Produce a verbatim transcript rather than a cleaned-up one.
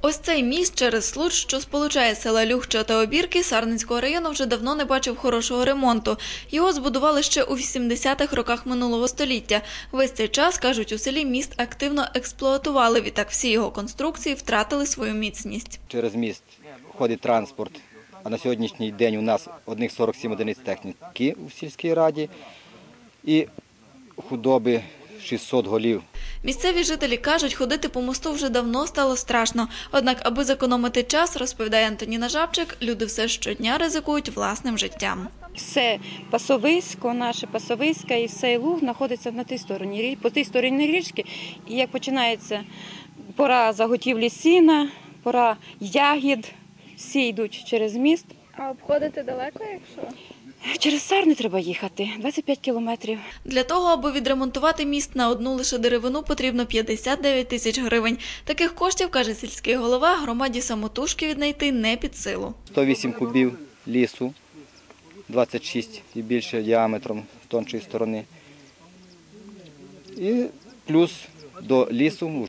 Ось цей міст через Случ, що сполучає села Люхча та Обірки Сарненського району, вже давно не бачив хорошого ремонту. Його збудували ще у вісімдесятих роках минулого століття. Весь цей час, кажуть, у селі міст активно експлуатували, відтак всі його конструкції втратили свою міцність. Через міст ходить транспорт, а на сьогоднішній день у нас одних сорок сім одиниць техніки у сільській раді і худоби шістсот голів. Місцеві жителі кажуть, ходити по мосту вже давно стало страшно. Однак, аби зекономити час, розповідає Антоніна Жабчик, люди все щодня ризикують власним життям. Все пасовисько, наше пасовисько і все луг знаходиться на тій стороні, по тій стороні річки. І як починається пора заготівлі сіна, пора ягід, всі йдуть через міст. А обходити далеко, якщо? Через Сарни треба їхати, двадцять п'ять кілометрів. Для того, аби відремонтувати міст на одну лише деревину, потрібно п'ятдесят дев'ять тисяч гривень. Таких коштів, каже сільський голова, громаді самотужки віднайти не під силу. сто вісім кубів лісу, двадцять шість і більше діаметром з тоншої сторони. І плюс до лісу